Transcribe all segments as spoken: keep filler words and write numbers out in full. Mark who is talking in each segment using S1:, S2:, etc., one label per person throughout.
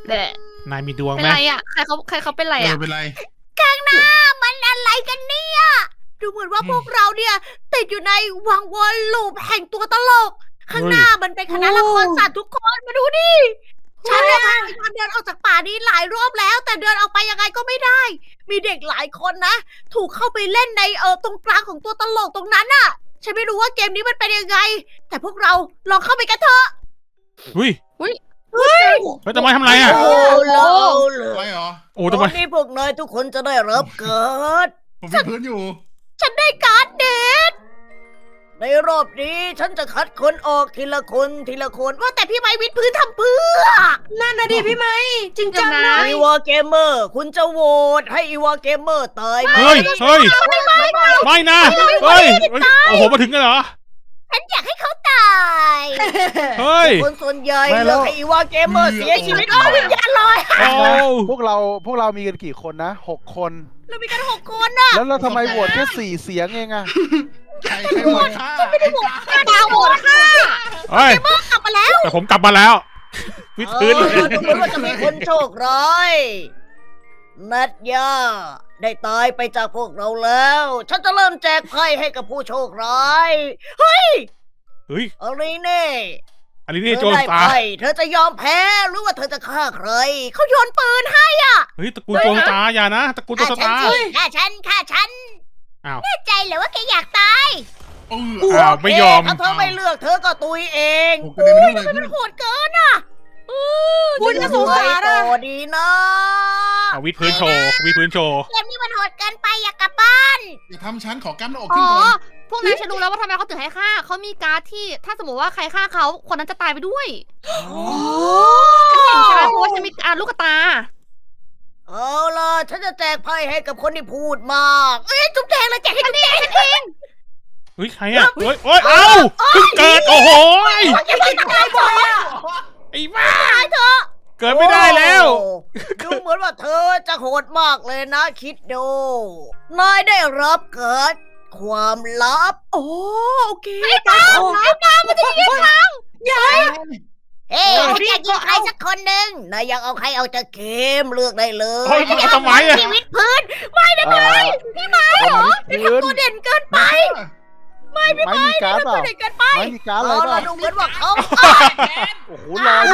S1: แหละ
S2: นายมีดวง
S1: เป็น
S2: ไหม
S1: ไรอ่ะใครเขาใครเขาเป็นไร
S3: เออ
S1: อ่ะ
S3: เป็นไร
S4: มันอะไรกันเนี่ย ดูเหมือนว่าพวกเราเนี่ยติดอยู่ในวังวนลูปแห่งตัวตลก ข้างหน้ามันเป็นคณะละครสัตว์ทุกคนมาดูดิ ฉันเนี่ยพยายามเดินออกจากป่านี้หลายรอบแล้ว แต่เดินออกไปยังไงก็ไม่ได้ มีเด็กหลายคนนะ ถูกเข้าไปเล่นในเออตรงกลางของตัวตลกตรงนั้นน่ะ ฉันไม่รู้ว่าเกมนี้มันเป็นยังไง แต่พวกเราลองเข้าไปกันเถอะ
S2: อุ้ย
S4: เฮ้ย
S2: เฮ้ยทำไมทำไรอ่ะ
S4: โอ้โห
S3: อะไรเหรอ
S2: โอ้
S4: ต
S2: ทำไม
S4: อนนี้พวกนายทุกคนจะได้รับเกิด
S3: ผมมีพื้นอยู่
S4: ฉันได้การ์ดเด็ดในรอบนี้ฉันจะคัดคนออกทีละคนทีละคน ว่าแต่พี่ไม้วิดพื้นทำเพื่อ
S5: นั่นนะดิพี่ไหมจริงจังนะ
S4: อีวาเกมเมอร์ คุณจะโหวตให้อีวาเกมเมอร์ตายไหม
S2: เฮ้ยเฮ้ยไม่นะเฮ้ยเฮ้ยโอ้โหมาถึงกันเหรอ
S4: ฉันอยากให้เขาตาย
S2: เฮ้ย
S4: คนส่วนใหญ่
S6: ไม่แล้
S4: เลือก
S6: ว
S4: ให้อีวาเกมเมอร์เสียชีวิตอ้าววิญญาณลอย
S2: โอ้
S6: พวกเราพวกเรามีกันกี่คนนะหกคน
S4: เรามีกันหกคนน่ะ
S6: แล้วเราทำไมโหวตแค่สี่เสียงเองอะ
S3: ใครใครหมดค่าไม่ได้หมด
S4: ข้าดาวโหวตค่ะ
S2: เฮ้ย
S4: กลับมาแล้ว
S2: แต่ผมกลับมาแล้ววิดพื้นเลย
S4: เออดูเหมือนว่าจะมีคนโชคร้ายนัดยาได้ตายไปจากพวกเราแล้ว ฉันจะเริ่มแจกไพ่ให้กับผู้โชคร้าย เฮ้ย
S2: เฮ้ย
S4: อะไรเน่
S2: อันนี้
S4: เธ
S2: นี่
S4: อ
S2: โจร
S4: ได้
S2: ตา
S4: ไพ่เธอจะยอมแพ้หรือว่าเธอจะฆ่าใคร เขาโยนปืนให้
S2: เฮ้ยตระกูลโจรตาอย่านะตระกูลโจร
S4: ฆ่าฉั
S2: ตา
S4: สิฆ่าฉันฆ่าฉัน
S2: อ้าว
S4: แน่ใจเหรอว่าแกอยากตาย
S3: เออ
S2: อ้าวไม่ยอม
S4: ถ้าเธอไม่เลือกเธอก็ตุยเอง
S3: ผมกระเด็นไปนู่นเลย
S4: มันโหดเกินอ่ะ
S5: คุณจะสงสาร
S4: ต่
S5: อะ
S4: อดีนะ
S2: เอาวิดพื้นโชว์วิดพื้นโชว์
S4: เกมนี้มันโหดเกินไปอยากกลับบ้าน
S3: อย่าทำชั้นขอกล้ามหน้าอก
S1: อ๋
S3: ขึ้น
S1: อ
S3: ก่อน
S1: พวกนายฉันรู้แล้วว่าทำไมเขาถึงให้ฆ่าเขามีการ์ดที่ถ้าสมมติว่าใครฆ่าเขาคนนั้นจะตายไปด้วยฉันเห็นใช่ไหมเพราะว่าฉันมีอ่าลูกตา
S4: เอาล่ะ ฉันจะแจกไพ่ให้กับคนที่พูดมาก เอ้ยจุ๊บแจงเลยแจกให้จุ๊บแจงฉันเอง
S2: เฮ้ยใครอ่ะเฮ้ยโอ้ยเอ้าเพิ่งเกิดโอ้โห
S4: อย่าไปตายบ่อยอะ
S2: ไอ้บ้า
S4: ตายเถอะ
S2: เกิดไม่ได้แล้ว
S4: โอ้ดูเหมือนว่าเธอจะโหดมากเลยนะคิดดูนายได้รับเกิดความลับ โอ้โอเคไอ้ตาไอ้ตามันจะยิงทางเฮ้ยฉันอยากยิงใครสักคนหนึ่งนายอยากเอาใครเอาจากเกมเลือกได้เลย
S2: เฮ้ยเอาทำไมอะ
S4: ชีวิตพื้นไม่ได้ไหม
S6: พี่ไม้เหรอพื้น
S4: ตัวเด่นเกินไป
S6: ไม่มีการ์ดเป
S4: ตัว
S6: ล่า
S4: เด่นเกินไป
S6: ไม่มีการ์ดอะไร
S4: เอา
S6: เป
S4: ล่ะ
S6: ล่า
S4: ดูเหมือนว่าเขา
S6: โอ้โหลอยเลย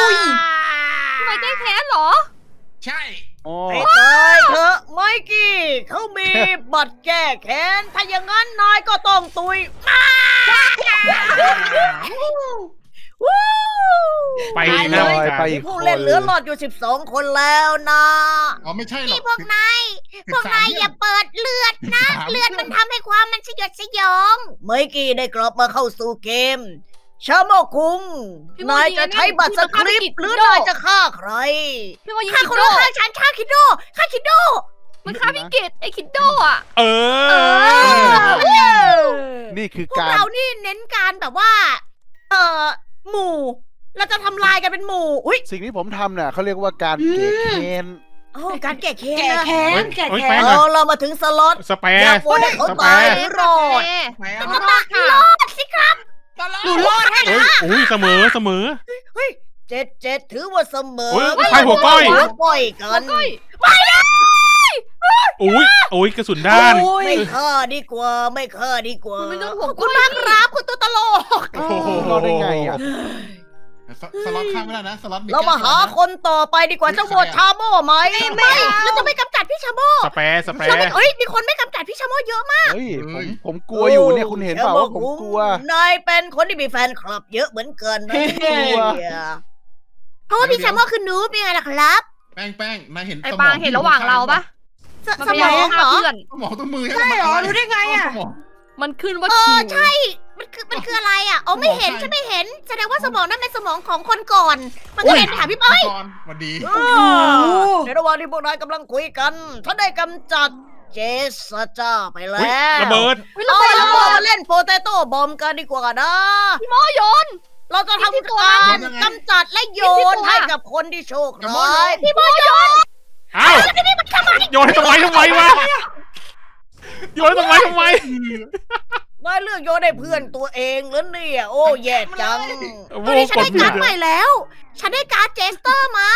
S1: ทำไมแก้แค้นเหรอ
S3: ใช่
S6: อ๋อ
S4: ให้ตายเถอะไมกี้เขามีบัตรแก้แค้นถ้าอย่างนั้นนายก็ต้องตุยมา วู้
S2: ไป
S6: ล
S2: นะ
S6: อยไปอีกค
S4: ผู้
S6: น
S4: เล่นเหลือหลอดอยู่สิบสองคนแล้วนะ
S3: อ๋อไม่ใช่หรอก
S4: นี่พวกนายพวกนายอย่าเปิดเลือดนะ เลือดมันทำให้ความมันสยดสยองไมกี้ได้กลับมาเข้าสู่เกม ชาโมคุง
S1: พี่โม
S4: นาย
S1: ยิง
S4: จะ
S1: อันนั้น
S4: ใช้บัตรสคริป
S1: พี่
S4: ต์
S1: โม
S4: หรือ
S1: ยิง
S4: นายจะฆ่าใคร
S1: พี่ว่ายิง
S4: ฆ่า
S1: คิ
S4: คน
S1: โด
S4: ละฆ่าฉันฆ่าคิดโดฆ่าคิดโด
S1: มันฆ่าพี่กิตไอ้คิดโดอ่ะ
S2: เออ
S6: นี่คือ
S4: พวก
S6: การ
S4: เรานี่เน้นการแบบว่า เอ่อ หมู่ เราจะทำลายกันเป็นหมู่ อุ้ย
S6: สิ่งที่ผมทำเนี่ยเขาเรียกว่าการเกะเคน
S4: โอ้การแก้แค้น
S5: แก่
S4: นะ
S5: แค้นแก่
S2: เฮ้ย
S5: แค้
S2: แป้
S5: น
S2: งอะ
S4: เอาเรามาถึงสล็อต
S2: สเป
S4: อยาก
S2: ร์
S4: โหวตให้เขา
S2: สเป
S4: ตาย
S2: ร์
S4: หรือรอด
S3: แหม
S4: เป็นตาที่รอดสิครับ
S5: หนูรอดให้
S2: เฮ้ยอุ้ยเสมอเสมอ
S4: เฮ้ยเจ็ดเจ็ดถือว่าเสมอ
S2: เฮ้ยใครหัวก้อย
S4: หัวก้อยกัน
S1: ก้อย
S2: อุ้ยอุ้ยกระสุนด้าน
S5: โอ้ย
S4: ไม่ฆ่าดีกว่า ไม่ฆ่าดีกว่า
S1: คุณไม่ต้องห่วง
S4: ขอบคุณมากครับคุณตัวตลก
S2: โอ้โห
S6: รอดได้ไงอ่ะ
S3: สสล็อตข้ามไม่ได้นะสล็อต
S4: เรามาหาคนต่อไปดีกว่าจะโหวตชาโม่ไหมไม่เราจะไม่กำจัดพี่ชาโม่
S2: สเปร์สเป
S4: เรา
S2: ร์
S4: ไม่เอ้ยมีคนไม่กำจัดพี่ชาโม่เยอะมาก
S6: เฮ้ยผมผมกลัวอยู่เนี่ยคุณเห็นเปล่าว่าผมกลัว
S4: นายเป็นคนที่มีแฟนคลับเยอะเหมือนกันนะ
S6: กลัว
S4: เพราะว่าพี่ชาโม่คือนูบยังไงล่ะครับ
S3: แป้งแป้งนายเห็น
S1: ไอ้
S3: สม
S1: ปาง
S3: ที่
S1: เห็นระหว่างเราปะ
S4: ส
S1: มัน
S4: ส
S1: พยาม ยาม
S4: อง
S1: ฆ่า
S4: เหรอ
S1: เพื่อน
S3: สมองตัวมือ
S5: ใช่เหรอรู้ได้ไงอะ
S3: สมอง
S1: มันขึ้นว่า
S4: เอ
S1: คิ
S4: อ
S1: ว
S4: ใช่ มันคือมันคืออะไรอ่ะอ๋อไม่เห็นฉันไม่เห็น แสดงว่าสมองนั่นเป็นสมองของคนก่อน มันก็เลยไปหาพี่เป้ย
S3: ก่อนสวัสดี
S4: ในระหว่างที่พวกนายกำลังคุยกันฉันได้กำจัดเจสจ้าไปแล้
S2: อุ๊ยว ระเบิด
S1: เฮ้ยเรา
S4: เอา
S1: ไป
S4: ละ
S1: แล้ว
S4: เรามาเล่นโปเตโต้บอมกันดีกว่านะ
S1: พี่โมโยน
S4: เราจะทำ
S1: ที่ตัว
S4: การ
S3: นั้น
S4: กำจัดและโย
S1: ที่
S4: น
S1: ตัว
S4: ให้กับคนที่โชค
S3: อย่าโม
S4: ร้าย
S3: โยน
S4: พี่โมโยน
S2: เอ้าโยนให้ทำไมทำไมวะโยนให้ทำไมทำไม
S4: นายเลือกโยนให้เพื่อนตัวเองแล้วเนี่ยโอ้แย่จัง
S2: โอ้โห
S4: ตอนนี้ฉันได้
S2: กดผิด
S4: การ์ดใหม่แล้ว ฉันได้การ์ดเจสเตอร์มา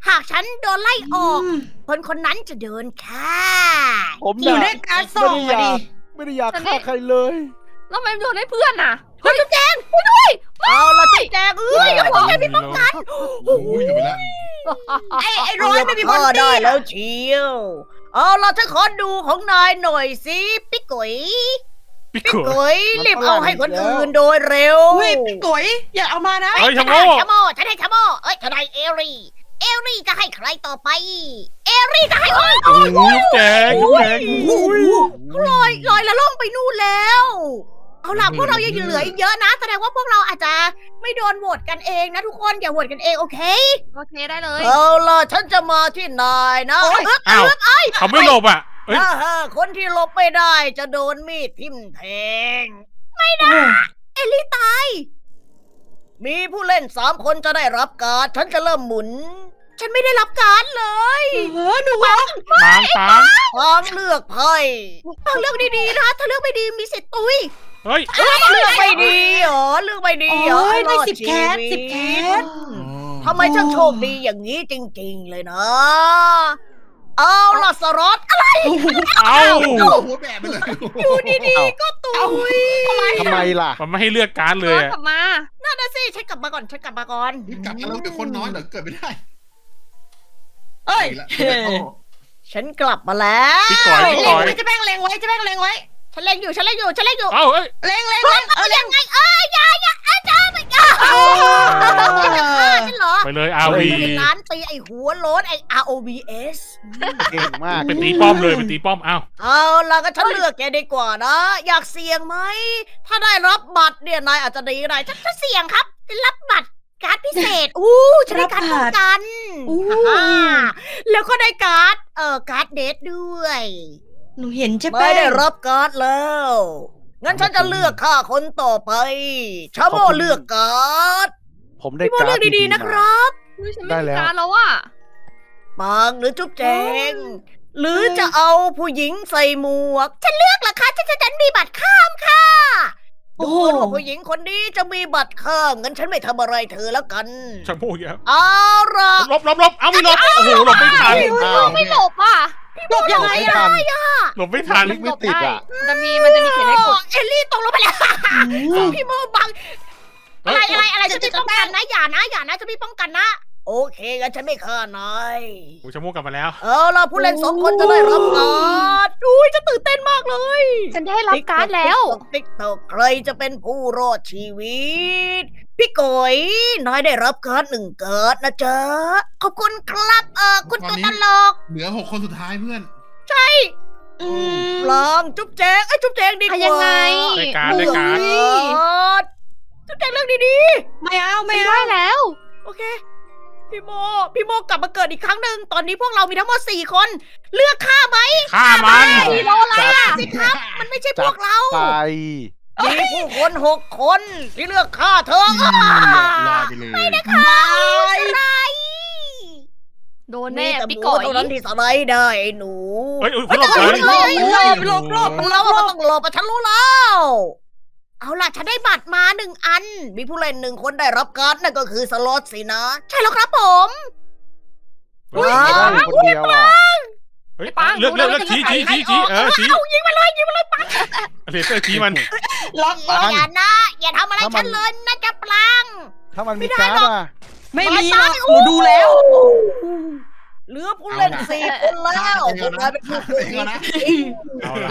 S4: หากฉันโดนไล่ออก คนคนนั้นจะโดนฆ่า
S6: ผม
S5: อยู่
S6: น่ะ
S5: ด้วยการส่ง
S6: ไม่ได้
S5: อะ
S6: อยา
S5: ดิ
S6: กไม่ได้อยากฆ่าใครเลย
S1: แล้วทำไมโดนให้เพื่อนน่ะ
S4: เฮ้ยจุ๊บแจงช่วยด้วยเอาละจุ๊บแจงเอ้ยจุ๊บแจงพี่ป้องกัน
S3: โอ้ยอยู่ไปแล้ว
S5: ไอ้ไอ้ร้อยไม่มีบอล
S4: ได้
S5: ตี้
S4: แล้วเชียวเอาละฉันขอดูของนายหน่อยสิปิ๊กกุ๋ย
S2: พี่
S4: ปิ๊ก
S2: กุย
S4: กุ๋ยรีบเอาให้คนอื่นโดยเร็ว
S5: อุ้ยพี่ก๋วยอย่าเอามานะ
S2: เฮ้ยชะโม
S4: ชะโมฉันให้ชะโมเอ้ยทนายเอรีเอรีจะให้ใครต่อไป เอรีจะให้โอ้ย
S2: โอ้ยยุบแจงยุบแจง
S4: โอ้ยเขาลอยลอยละล่องไปนู่นแล้ว เอาล่ะพวกเรายังเหลืออีกเยอะนะ แสดงว่าพวกเราอาจจะไม่โดนโหวตกันเองนะทุกคนอย่าโหวตกันเองโอเค
S1: โอเคได้เลย
S4: เอาล่ะฉันจะมาที่นายนะ
S5: โอ๊ย
S4: เอ๊ะ
S2: อ้าวเขาไม่หลบอ่ะเอ้ย
S4: ถ้าหากคนที่หลบไม่ได้จะโดนมีดทิ่มแทง เอลลี่ตาย มีผู้เล่นสามคนจะได้รับการ์ดฉันจะเริ่มหมุน ฉันไม่ได้รับการ์ดเลย
S5: เออหนูว่า
S2: ปางปาง
S4: ทางเลือกไพ่ทางเลือกดีๆนะถ้าเลือกไม่ดีมีสิทธิ์ตุย
S2: เฮ้ย
S4: เลือกไม่ดีเหรอเลือกไม่ดีเหรอ
S5: โอ้ยได้
S4: รอ
S5: สิบ
S4: ชี
S5: แคส
S4: วิต
S5: สิบแคส
S4: ทำไมฉันโชคดีอย่างนี้จริงๆเลยนะ เอาล่ะสรอตอะไร
S2: เอา
S3: หัวแบบไปเลย
S4: อยู่ดีๆก็ตุย
S5: ทำไม
S6: ทำไมล่ะ
S2: มันไม่ให้เลือกการ์ดเล
S1: เอย อ
S2: อะ
S1: กลับมา
S4: นั่นนะสิฉันกลับมาก่อนฉันกลับมาก่อน
S3: นี่กลับมาแล้วเดี๋ยวคนน้อยเดี๋ยวเกิดไม่ได้
S5: เอ้ย
S3: อีกแล้วเดี๋ยวเข้า
S4: ฉันกลับมาแล้ว
S2: พี่ก่อยพี่
S5: เล็
S2: ก่
S5: ง
S2: อย
S5: ไว้จะแม่งเล็งไว้จะแม่งเล็งไว้
S4: ฉันเล่นอยู่ฉันเล่นอยู่ฉันเล่นอยู่
S2: เอ้าเอ้ย
S5: เล็งเล็งเล็งเออเล็ง
S4: ไงเอ้ยอย่าอย่าอาจารย์ไม่กล้าจะฆ่าฉันเหรอ
S2: ไปเลยอาวี
S4: เป็นร้านตีไอ้หัวโล้นไอ้ อาร์ โอ วี เอส
S6: เก่งมาก
S2: เป็นตีป้อมเลยเป็นตีป้อมเอ้า
S4: เอาล่ะก็ฉันเลือกแกดีกว่านะ อยากเสี่ยงไหม ถ้าได้รับบัตรเนี่ยนายอาจจะดีก็ได้ฉันจะเสี่ยงครับ รับบัตรการ์ดพิเศษ อู้ฉันได้การ์ดป้องกัน
S5: อู้
S4: อ่าแล้วก็ได้การ์ด เอ่อ การ์ดเดทด้วย
S5: หนูเห็นใช่ไหม
S4: ไม่ได้รับการ์ดแล้ว งั้นฉันจะเลือกฆ่าคนต่อไป ชาโมเลือกการ์ด
S6: ผมได้
S4: พี่โม
S6: การ์
S4: เลื
S6: ด
S4: อกดีๆ
S6: ๆ
S4: นะค
S6: มา
S4: รับ
S1: อุ๊ยฉัน
S6: ได้
S1: ไม่มี
S6: แล้ว
S1: การแล้วอ่ะ
S4: ปางหรือจุ๊บแจง หรือจะเอาผู้หญิงใส่หมวก ฉันเลือกเหรอคะฉันจะฉันมีบัตรข้ามค่ะ
S5: โอ้
S4: ดู
S5: โห
S4: เหมือนว่าผู้หญิงคนนี้จะมีบัตรข้ามงั้นฉันไม่ทำอะไรเธอแล้วกัน
S2: ชะโมกแล้ว
S4: เอาล่ะ
S2: หลบหลบหลบเอาไม่หลบโอ้โหหลบไม่ทัน
S6: อ้าว
S1: ไม่หลบอ่ะ
S5: หลบยังไง
S6: ไม่
S5: อะ
S6: ทัน
S2: หลบไม่ทัน
S6: ลิงไม่ติดอ่ะ
S1: มันจะมีมันจะมีเขียนให้กด
S4: เอลลี่ตกลงไปแล้ว พี่โมบัง อะไรอะไรอะไรฉันมีป้องกันนะอย่านะอย่านะฉันมีป้องกันนะ โอเคงั้นฉันไม่ฆ่านาย
S2: โอ้ยชะโมกกลับมาแล้ว
S4: เอาล่ะผู้เล่นสองคนจะได้รับการ์ดอุ้ยจะตื่นเต้นมากเลย
S1: ฉันได้รับการ์ดแล้ว
S4: ติ๊กตอกใครจะเป็นผู้รอดชีวิต พี่กอยนายได้รับการ์ดหนึ่งการ์ดนะจ๊ะ ขอบคุณครับเออคุณตัวตลก
S3: เหลือหกคนสุดท้ายเพื่อน
S5: อืม
S4: ลองจุ๊บแจงไอ้ยจุ๊บแจงดีกว่า
S1: อ่ะยังไง
S2: ได้การ์ดได้การ์ด
S4: เลือกจุ๊บแจงเรื่องดี
S5: ไม่เอาไม่
S1: ไม่
S5: เอา
S1: ได้แล้ว
S4: ๆ โอเค พี่โม พี่โมกลับมาเกิดอีกครั้งหนึ่ง ตอนนี้พวกเรามีทั้งหมดสี่คน เลือกฆ่าไหม
S2: ฆ่ามัน
S4: พี่โมอะไรอ่ะสิครับ มันไม่ใช่พวกเรา
S6: ไป
S4: มีผู้คนหกคนที่เลือกฆ่าเธอ
S3: ลอยไปเลย
S4: ไม่ได้ค่ะไร
S1: โดน
S4: มี
S1: แน่
S4: แต่ห
S1: พี่
S4: มู
S1: ก่อย
S4: เท่านั้นที่สไลด์ได้ไอ้หนู
S2: เฮ้ยเฮ้ยหลบเลย
S4: เฮ้ย
S5: หลบหลบหลบ
S4: เราว่ามันต้องหลบอะฉันรู้แล้ว เอาล่ะ ฉันได้บัตรมาหนึ่งอัน มีผู้เล่นหนึ่งคนได้รับการ์ดนั่นก็คือสล็อตสินะ ใช่แล้วครับผม
S2: เฮ้ย
S6: ได้อยู่คนเดียวอ่ะ
S2: เฮ้ยเลือกเลือกเลือกชี้ชี้ชี้ชี้เออชี้
S4: เอายิงมาเลยยิงมาเลยปัง
S2: เลเซอร์ชี้มัน
S5: ล็อก
S6: ปัง
S4: อย่านะ อย่าทำอะไรฉันเลยนะจะปลัง
S6: ถ้ามันมีการ์ดอ่ะ
S5: ไม่มีหรอกหนูดูแล้ว
S4: เหลือผู้เล่นสี่คนแล้วพวกนายเป็นผู้
S3: เองนะ
S2: เอาละ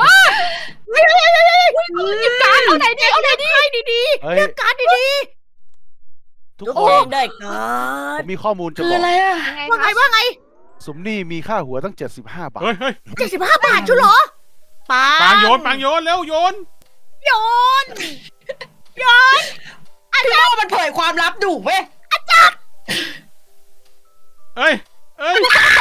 S1: หยิบการ์ดเอาไหนดีเอาไหนดี
S4: ให้ดี
S6: เฮ้
S4: ๆ
S6: ย
S4: เลือกการ์ดดี
S6: ทุ
S4: ๆ
S6: ก
S4: ทุก
S6: ค
S4: คน นได้การ์
S6: ผ
S4: ด
S6: มมีข้อมูลจะ
S5: คื
S6: บ
S5: อ
S6: อก
S5: อะไรอะ
S1: ยังไง
S4: ว่าไง
S1: คะ
S4: ว่าไง
S6: สมนี่มีค่าหัวตั้งเจ็ดสิบห้าบาท
S2: เฮ้ยเฮ้ย
S4: เจ็ดสิบห้าบาทชุเหรอปา
S2: ปางโยนปางโยนเร็วโยน
S4: โยน
S5: พี่โมมันเผยความลับดุเว้ย
S2: เอ้ยเอ้ย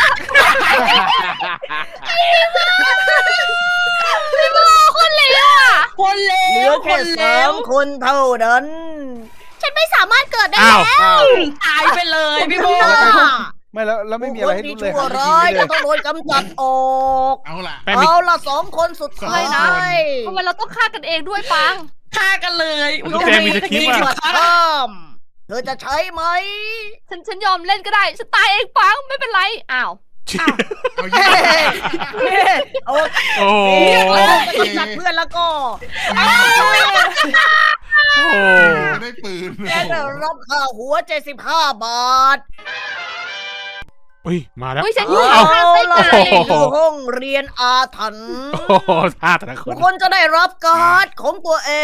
S1: คนเลวอ่ะ
S5: คนเล
S4: เหลื
S5: ว
S4: อ
S5: ค
S4: แค่
S5: นเล
S4: สาว มคนเท่านั้น ฉันไม่สามารถเกิดได้
S2: อ้าว
S4: แล้ว
S6: อ้าว
S5: ตายไปเลยพี่โม
S6: ไม่แล้วแล้วไม่มีอะไรให้
S4: ผู้
S6: รู้
S4: คน
S6: เลย
S4: ที่ชั่ว
S6: หันไป
S4: ร้าย
S6: ยิง
S4: จะ
S6: ไม่
S4: ต้องโดนกำจัดออก
S3: เอาล่ะ
S2: แป้งมี
S4: เอาละสองคนสุดท้าย
S3: สองคน
S1: ทำไมเราต้องฆ่ากันเองด้วยปัง
S5: ฆ่ากันเลย
S2: มันต้องแจงมีสคริปต์
S4: มี
S2: อะ
S4: บัตรข้ามเธอจะใช้ไหม
S1: ฉันฉันยอมเล่นก็ได้ฉันตายเองปังไม่เป็นไรอ้าว
S3: เอายิง
S4: โอ้
S2: โอ้
S4: เรียก
S2: โห
S4: แล้วจะจัดเพื่อนแล้วก็
S2: โอ้โห
S3: ไม่ได้ปืน
S4: แกได้รับค่าหัวเจ็ดสิบห้าบาท
S2: เฮ้ยมาแล้ว
S1: เฮ้ยฉันอยู่
S4: เอา
S1: ข้างไส้
S4: ล่ะ
S1: ไก่
S2: โอ้โห
S4: คือห้องเรียนอาถรรพ์
S2: โอ้โหท่าแต่ละค
S4: ทุ
S2: น
S4: กคนจะได้รับการ์ดของตัวเอง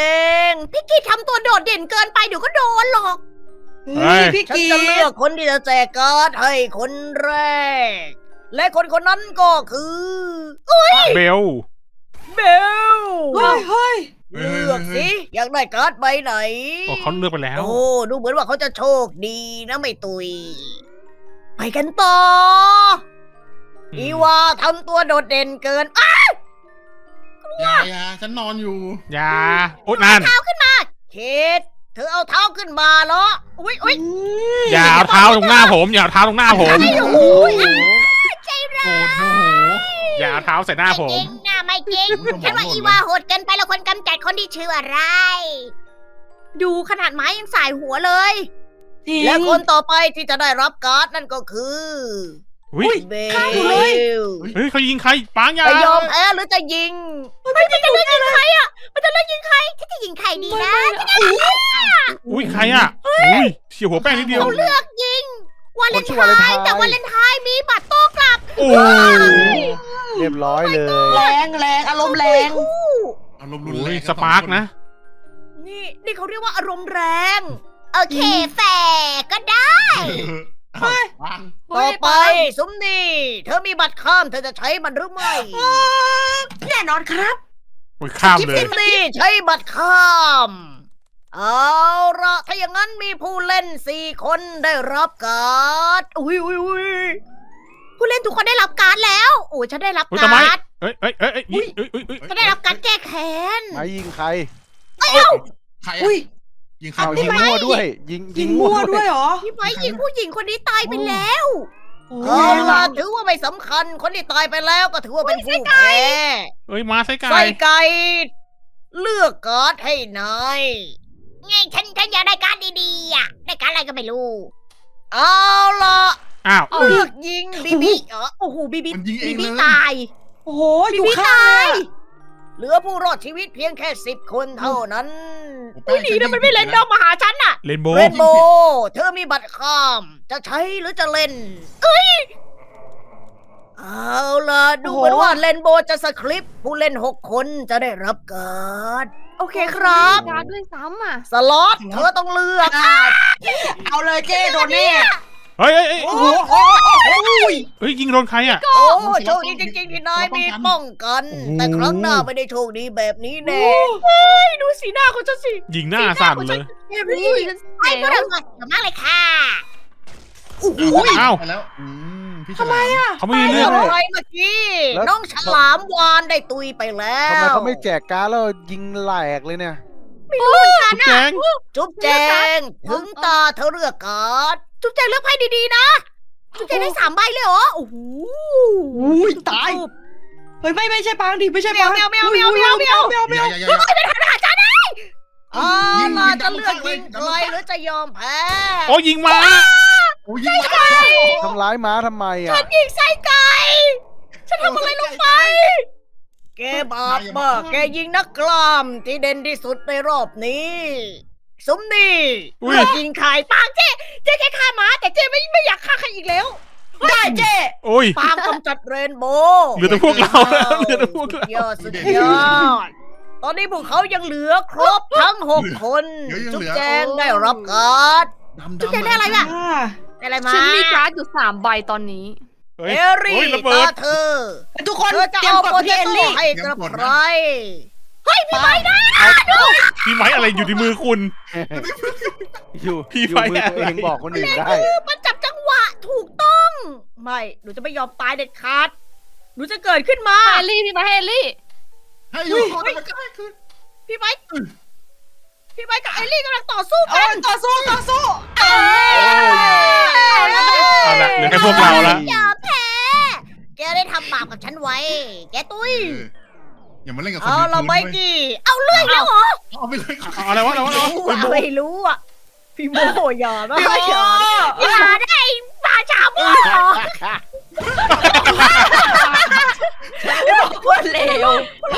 S4: พี่กีทำตัวโดดเด่นเกินไปเดี๋ยวก็โดนหรอก
S2: เฮ้ย
S5: พี่
S4: ฉัน
S5: กี
S4: จะเลือกคนที่จะแจกการ์ดให้คนแรก และคนคนนั้นก็คือ
S2: เบล
S4: เบล
S5: เฮ้ยเฮ้ย
S3: เฮ้ย
S4: เลือกสิอยากได้การ์ดใบไหน
S2: โอ้เขาเลือกไปแล้ว
S4: โอ้ดูเหมือนว่าเขาจะโชคดีนะไม่ตุย ไปกันต่อออีวาทำตัวโดดเด่นเกินอ่ะ
S3: อย่าอย่าฉันนอนอยู่
S2: อย่าโอ๊ยนั่น
S4: เคทเธอเอาเท้าขึ้นมาเหรออุ้ยอุ้ย
S2: อย่าเอาเท้าตรงหน้าผม อย่าเอาเท้าตรงหน้าผม
S4: โอ้โห
S3: โกรธโมโห
S2: อย่าเอาเท้าใส่หน้าผม
S4: ไม่จริงนะไม่จริง ฉันว่าอีวาโหดเกินไปแล้วคนกำจัดคนที่ชื่ออะไร ดูขนาดไม้ยังสายหัวเลย
S5: จริง
S4: และคนต่อไปที่จะได้รับการ์ดนั่นก็คือ
S2: อุ้ย
S4: เบ
S5: ฆ่าอยู่เลย
S4: ล
S2: เฮ้ยเขายิงใครปังอย่า
S4: จะยอมแพ้หรือจะยิงมันจะเลือกยิงใครอ่ะมันจะเลือกยิงใครฉันจะยิงใครดีนะ
S2: อุ้ยใครอ่ะอุ้ยเฉียวหัวแป้งนิดเดียว
S4: เขาเลือกยิงวาเลน
S6: ชื่อ
S4: ไท
S6: วาเลนไท
S4: น์
S6: น์
S4: แต่วาเลนไทน์มีบัตรโต้กลับ
S2: โอ้
S6: เรียบร้อยเลย
S5: แรงแรงอารมณ์แรง
S4: คู่
S3: อารมณ์รุน
S2: โห
S3: แรง
S2: สปาร์กนะ
S4: นี่นี่เขาเรียกว่าอารมณ์แรง โอเคแฝก็ได้
S3: เฮ้ยปัง
S4: ต่อไปสมนีเธอมีบัตรข้ามเธอจะใช้มันหรือไม่
S5: แน่นอนครับ
S2: โอ้ยข้าม
S4: กิฟ
S2: เลย
S4: ฟินนี่ใช้บัตรข้าม เอาละถ้าอย่างนั้นมีผู้เล่นสี่คนได้รับการ์ดอุ้ยอุ้ยอุ้ยผู้เล่นทุกคนได้รับการ์ดแล้วโอ้ยฉันได้รับ
S2: อุ้ยทำไม
S4: การ์ด
S2: เอ้ยเอ้ยเอ้ยเอ้ยยิงเอ้ยเอ้ยเอ้ย
S4: ฉันได้รับการ์ดแก้แค้น
S6: ไม้ยิงใคร
S3: ใคร
S5: อุ้ย
S3: ยิงใคร
S6: เอายิงมั่วด้วย ยิง
S5: ยิงมั่วด้วยเหรอ
S4: พี่ไม้ยิงผู้หญิงคนนี้ตายไปแล้ว
S5: โอ้
S4: เอาล่ะถือว่าไม่สำคัญคนที่ตายไปแล้วก็ถือว่าเป็นผู้แพ้
S2: เอ้ยมาใส่ไก่
S4: ใส่ไก่เลือกการ์ดให้นายไงฉันฉันอยากได้การ์ดดีๆอ่ะได้การ์ดอะไรก็ไม่รู้ เอาล่ะ
S2: อ้าว
S4: เลือกยิงบีบีเออโอ้โหบีบี
S3: มันยิงเอ
S4: บี
S3: ง
S4: บี
S3: เลย
S4: ตาย
S5: โอ้โห
S4: บี
S5: อยู่
S4: บี
S5: ข้าง
S4: ตา
S5: เลย ย
S4: เหลือผู้รอดชีวิตเพียงแค่สิบคนเท่านั้น
S3: แป้
S4: อุ้ย
S3: ง
S4: ดีนะมันไม่เล่นดอมมาหาฉันน่ะ
S2: เรนโบ
S4: เร
S2: ว์
S4: นโบเธอมีบัตรข้าม จะใช้หรือจะเล่น เอ้ย เอาล่ะ ดูเหมือนว่าเรนโบจะสคริปต์ผู้เล่นหกคนจะได้รับการ์ดโอเคครับ
S1: การด้วยซ้ำอ่ะ
S4: สล็อตเธอต้องเลือก
S5: เอาเลยเจ้โดนแน่
S2: เฮ้ยเฮ้ยเฮ้ย
S5: โอ้โหโอ้โห
S2: เฮ้ยยิงโดนใครอ่ะ
S4: โอ้โชคดีจริงๆที่นายมีป้องกัน
S2: โอ้โห
S4: แต่ครั้งหน้าไม่ได้โชคดีแบบนี้แน่เฮ้ยดูสีหน้าของฉันสิ
S2: ยิงหน้าสั่นเลย
S4: เฮ้ยไอ้พวกเราสวยมากเลยค่ะโอ้โห
S2: อ้าว
S3: ไปแล้วอืมพี่
S5: ทำไมอ่ะ
S2: เขาไม่
S4: ไม่
S2: มี
S4: เลื
S2: เลื
S4: อ
S2: อก ก
S4: อะไรเมื่อกี้ น้องฉลามวานได้ตุยไปแล้ว
S6: ทำไมเขาไม่แจกการ์ดแล้วยิงแหลกเลยเนี่ย
S2: ทุกแจง
S4: จุ๊บแจงถึงตาเธอเลือกการ์ดจุ๊บแจงเลือกไพ่ดีๆนะ จุ๊บแจงได้สามใบเลยเหรอ โอ้โห
S5: อุ้ยตาย เฮ้ยไม่ไม่ใช่ปังดิไม่ใช่
S4: แม
S5: ปั
S4: ว
S5: ง
S4: แมวแมวแมวแมวแมว
S5: แมวแม
S3: อย่าว อย่าอย่าอย่า
S4: อ่าล่ะจะเลือกยิงใครหรือจะยอมแพ้
S2: โอ้ยิงมา
S3: โอ้ยยิงมา
S6: ทำร้ายม้าทำไมอ่ะ
S4: ฉันยิงไส้ไก่ ฉันทำอะไรลงไป แกบาปมากแกยิงนักกล้ามที่เด่นที่สุดในรอบนี้ สมนี่
S2: อุ้ย
S4: เลือกยิงใครปางเจ๊เจ๊แค่ฆ่าหมาแต่เจ๊ไม่ไม่อยากฆ่าใครอีกแล้ว
S5: ได้เจ้
S2: โอ้ย
S4: ปางกำจัดเรนโบว์
S2: เหลือแต่พวกเราแล้วเหลือแต่พวกเรา
S4: ยอดสุดยอด ตอนนี้พวกเขายังเหลือครบทั้งหกคน จุ๊บแจงได้รับการ์ด
S3: ดำ
S4: จุ๊บแจงได้อะไรอะ
S5: อ่า
S4: ได้อะไรมา
S1: ฉันมีการ์ดอยู่สามใบตอนนี้
S2: เฮ้ย
S4: เอรี่
S2: โอ้ยระเบิ
S4: ตา
S2: ด
S4: เธอ
S5: ทุกคน
S4: เธอจะ
S5: เตรียม
S4: เอา
S5: กด
S4: โปเต
S5: พี่เอล
S4: โต้
S5: ลี่
S4: ให้กับใครเฮ้ยมีใบนะ
S2: พี่ไม้อะไรอยู่ในมือคุณ
S6: อยู่
S2: พี่
S6: อยู่
S2: ไฟ
S6: มือ
S2: อะไร
S6: ตัวเองบอกคนอื่นได้
S4: คือมันจับจังหวะถูกต้อง ไม่ หนูจะไม่ยอมตายเด็ดขาด หนูจะเกิดขึ้นมา
S1: เฮลี่พี่มาเฮลี่
S3: ให้อยู่ก่อนมันก็ให้คืน
S4: พี่ไม้พี่ไม้กับเอลลี่กำลังต่อสู้
S5: เอา
S4: กัน
S5: ต่อสู้ต่อสู้
S2: เอาละเหลือแค่พวกเราละ
S4: อย่าแพ้แกได้ทำบาปกับฉันไว้ แกตุ้ย
S3: เอออย่ามาเล่นกับคน
S4: เอา
S3: มี
S4: ละ
S3: ปืน
S4: ไม
S3: ด้วย
S4: กี้ เอาเลื่อยแล้วเหรอ
S3: เอาไปเลย
S2: เอาอะไรวะอะไรวะอะไรวะ
S4: ไม่รู้อะพี่โมอย่านะอย่าอย่าได้ปลาชาโม
S5: คนเลว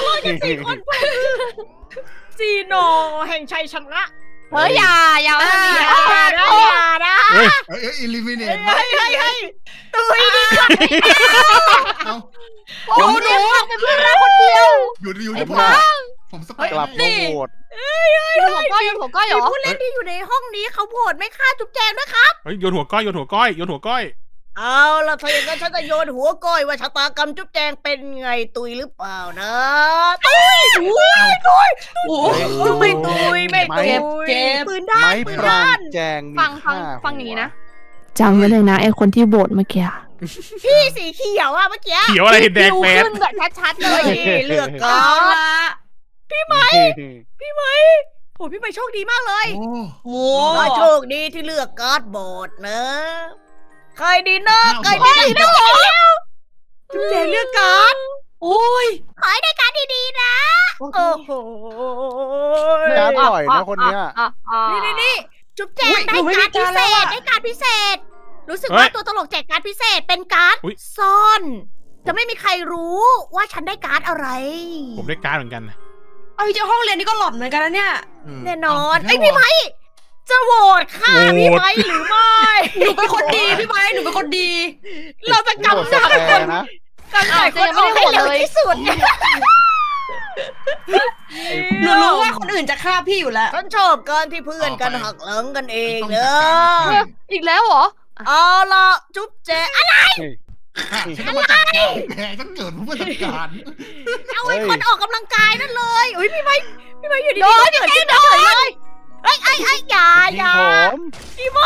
S4: ซีโนแห่งชัยชนะ
S1: เฮ้ยอย่าอย่ามาทำนี้
S4: อย่า
S1: อ่ะ
S4: นะอย่านะ
S2: เฮ้ย
S3: เอ้ยเอ้ยอิลิมิเนต
S4: เฮ้ยเฮ้ยเฮ้ยตุยดิ
S3: เอา
S1: โอ้หนูเป็นเพื่อนเราคนเดียว
S3: อยู่อยู่
S6: ไอ้
S3: ที่
S6: พ
S3: ผ
S6: ว
S3: ม
S6: ก
S3: ผมส
S6: ก
S3: เปค
S6: ลับมาโหวต
S1: โยนหัวก้อยโยนหัวก้อยเหร
S4: มี
S1: อ
S4: ผู้เล่นที่อยู่ในห้องนี้เขาโหวตไม่ฆ่าจุ๊บแจงด้วยครับ
S2: เฮ้ยโยนหัวก้อยโยนหัวก้อยโยนหัวก้อย
S4: เอาล่ะถ้าอย่างนั้นฉันจะโยนหัวก้อยว่าชะตากรรมจุ๊บแจงเป็นไงตุยหรือเปล่านะตุยตุยตุย
S5: โอ้
S4: ไม่ตุยไม่ตุย
S5: เจ็บเจ็บ
S4: ปืนด้า
S6: ไม้
S4: นปืน
S6: ปรา
S4: ด้าน
S6: งแจงมี
S1: ฟังฟัง
S6: ค่า
S1: ฟังอย่างนี้นะ
S7: จำไว้เลยนะไอคนที่โบดเมื่อกี้
S4: พี่สีเขียวอะเมื่อกี้
S2: เขียวอะไรเห็นแดง
S1: ดู
S2: แปด
S1: ขึ้นแบบชัดๆเล
S4: เฮ้
S1: ย
S4: ยเลือก
S5: เอา
S4: การ์ด
S5: ละ
S4: พี่ไหมพี่ไหมโอ้พี่ไหมโชคดีมากเลย
S3: โอ้
S5: โอ้
S4: ขอโชคดีที่เลือกการ์ดบอร์ดนะ ใครดีนะใครดีนะจุ๊บแจงเลือกการ์ด
S5: โอ้ย
S4: ขอให้ได้การ์ดดีๆนะ โอ้โห
S6: การปล่อยนะคนเนี้ย
S1: อ่ะอ่ะ
S4: นี่นี่นี่จุ๊บแจงได้การ์ดพิเศษได้การ์ดพิเศษ รู้สึกว่าตัวตลกแจกการ์ดพิเศษเป็นการ์ดซ่อน จะไม่มีใครรู้ว่าฉันได้การ์ดอะไร
S2: ผมได้การ์ดเหมือนกัน
S5: เอาเจ้าห้องเรียนนี่ก็หลอนเหมือนกันนะเนี่ย
S4: แน่นอนไอยพี่ไม้จะโหวตค่ะพี่ไม้หรือไม่
S5: หนูเป็นคนดีพี่ไม้หนูเป็นคนดี
S4: เราจะ
S6: โหวต
S4: กำ
S6: ส
S4: จัด
S6: แก
S4: คน
S6: นะ
S4: กำจัดคนออกให้เร็วที่สุด
S5: หนูรู้ว่าคนอื่นจะฆ่าพี่อยู่แล้ว
S4: ฉันชอบการที่เพื่อนกันหักหลังกันเองเนอะ
S1: อีกแล้วเหรอ
S4: เอาล่ะจุ๊บแจอะไร
S3: ฉันจะมาจัดการแกฉันเกิดเพื่อจัดการ
S4: เอาไอ้คนออกกำลังกายนั่นเลยอุ้ยพี่ไม้พี่ไม้อยู่ดี
S1: โด
S4: ๆ
S1: น
S4: ก็เกิดขึ้นเฉยเลยเอ้ยไอ้ไอ้อย่าอ
S6: ยิง
S4: ย่า
S6: ผม
S4: พี่โม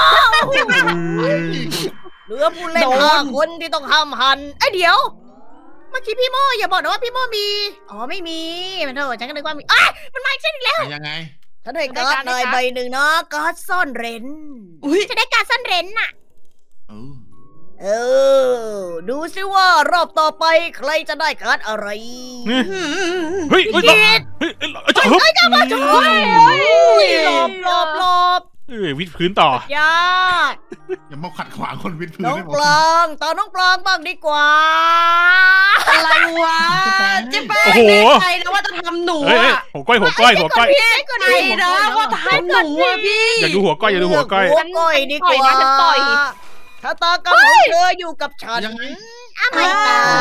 S4: เหลือผู้เล่นห้าคนที่ต้องห้ามหันไอ้ยเดี๋ยว เมื่อกี้พี่โมอย่าบอกนะว่าพี่โมมี อ๋อไม่มีมันเถอะฉันก็นึกว่ามีอ้ายมันมาอีกเช่นอีกแล้ว
S3: ยังไง
S4: ฉันได้การ์ดเลยใบหนึ่งนะการ์ดซ่อนเร้น
S5: อุ้ย
S4: จะได้การ์ดซ่อนเร้นน่ะ
S3: เออ
S4: เออ ดูซิว่ารอบต่อไปใครจะได้การ์ดอะไร
S2: เฮ้ยเฮ้ยเฮ้ยเฮ้ยเฮ้ยเฮ้ย
S4: เฮ้ยจะมาจะมาหลบหลบหลบ
S2: เฮ้ยวิดพื้นต่อ
S4: ยาก
S3: อย่ามาขัดขวางคนวิทย์พื้น
S4: น้อง
S3: ให้ผม
S4: ปลางตอนน้องปลางบ้างดีกว่า
S5: อะไรวะเจ๊แป้ง
S2: โอ้โห
S5: แน่ใจนะว่าจะทำหนู
S2: เฮ้ยเฮ้ย
S5: อะ
S2: หัวก้อยหัวก้อยหัวก้อย
S5: แน่ใจนะว่าจะทำหนูอะพี่
S2: อย่าดูหัวก้อยอย่าดูหัวก้อย
S4: หัวก้อยดีกว่า
S1: ฉันปล่อย
S4: ชะตากรรมของเธออยู่กับฉัน
S3: ยังไง
S4: อ้าวไม่ตาย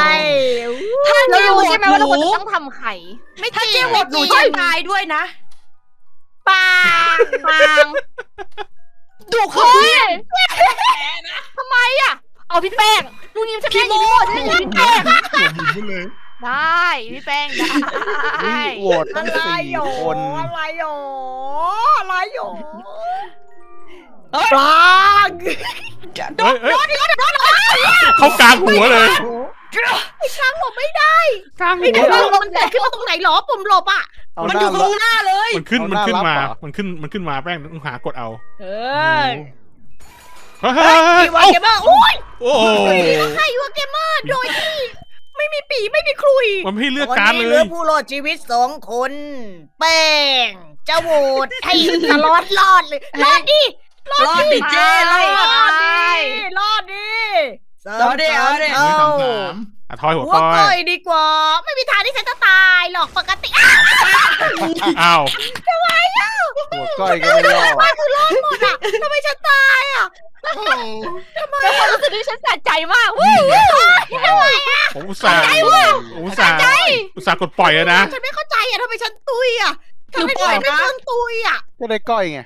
S5: ถ้า
S1: เรา
S5: เจ๊
S1: รู้
S5: โหว
S1: ใช่
S5: ต
S1: ไหม
S5: ห
S1: ว่าเราควร
S5: นู
S1: จะต้องทำไข่
S4: ไม่จ
S5: ถ้า
S4: ริง
S5: เจ๊โหวตหนูจะตายด้วยนะ
S4: ปาง
S1: ปาง
S5: ดุคือ
S1: เฮ้ยทำไมอ่ะ เอาพี่แป้งนู่นนี่จะแป้งอีกหมดใช่ไหมพี่แป้ง
S3: ผมยิงไปเลย
S1: ได้พี่แป้งได้
S6: โหวตตั้ง
S4: อะไร
S6: สี่
S4: หยอ
S6: คน
S4: อะไรหยออะไรหยอ
S5: เอ้ย
S4: ปลาง
S2: เฮ้ยเฮ้ยเข้ากลางหัวเลย
S4: ไอ้ช้างหลบไม่ได้
S2: กลาง
S4: ไอ้
S2: หัว
S4: ช้างหลบมันเกิดขึ้นมาตรงไหนหรอปุ่มหลบอ่ะ
S6: เอา
S5: มัน
S6: ห
S5: อ
S6: น้า
S5: ยู่ตรงหน้าเลย
S2: มันขึ้น
S6: เอา
S2: มัน
S6: หน้า
S2: ขึ้น
S6: รับ
S2: มา
S6: เหรอ
S2: มันขึ้นมันขึ้นมาแป้งต้องหากดเอา
S4: เอ
S6: โอ้
S4: อ
S6: โห
S2: เฮ้ยเฮ้ย
S4: พี่ว่า
S2: เอ้า
S4: เกมเมอร์โอ้ย
S2: โอ้โห
S4: ใครว่าเกมเมอร์โดยที่ไม่มีปีไม่มีคลุย
S2: มันไม่ให้เลือก
S4: ตอน
S2: การ์ด
S4: นี้
S2: เล
S4: เหลือย ผู้รอดชีวิตสองคน แป้งจะโหวตให้ตลอดรอดเลยรอดดิ
S5: รอดดิเจ๊รอ
S4: ร
S5: ด
S4: อดดิรอดดิสาม
S5: รอดดิ
S4: สาม
S5: เอาดิ
S4: เท่า
S3: สามสาม
S2: อ่ะทอยหัว
S4: หัว
S2: ก้อ
S4: ก้อย ยดีกว่า ไม่มีทางที่ฉันจะตายหรอกปกติอ้าว
S2: อ้าว
S6: หัวก้อยก็ไม่รอด
S4: ว่าคือรอดหมดอ่ะทำไมฉันตายอ่ะ
S3: โอ้โห
S1: เป็นความรู้สึกที่ฉันสะใจมากวู้
S2: ผมอุตส่าห์ผมอุตส่าห์อุตส่าห์กดปล่อยแล้วนะ
S4: ฉันไม่เข้าใจอ่ะทำไมฉันตุยอ่ะ
S5: หนู
S4: ทำไม
S5: ปล่อย
S4: ฉันไม่
S5: นะ
S4: เพิ่งตุยอ่ะ
S6: ก็ได้ก้อยไง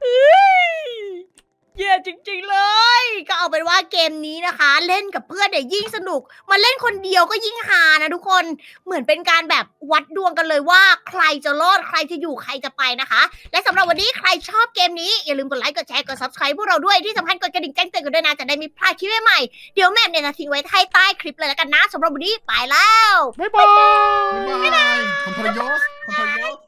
S4: แย่จริงๆเลย ก็เอาเป็นว่าเกมนี้นะคะ เล่นกับเพื่อนเนี่ยยิ่งสนุก มาเล่นคนเดียวก็ยิ่งฮานะทุกคน เหมือนเป็นการแบบวัดดวงกันเลยว่าใครจะรอดใครจะอยู่ใครจะไปนะคะ และสำหรับวันนี้ใครชอบเกมนี้อย่าลืมกดไลค์กดแชร์กด subscribe พวกเราด้วยที่สำคัญกดกระดิ่งแจ้งเตือนกันด้วยนะจะได้ไมีพลาดคลิปใหม่ๆเดี๋ยวแม่เนี่ยจะทิ้งไว้ใต้คลิปเลยแล้วกันนะสำหรับวันนี้ไปแล้ว
S2: บ๊ายบาย
S3: บ๊ายบายคนทรยศคนทรยศ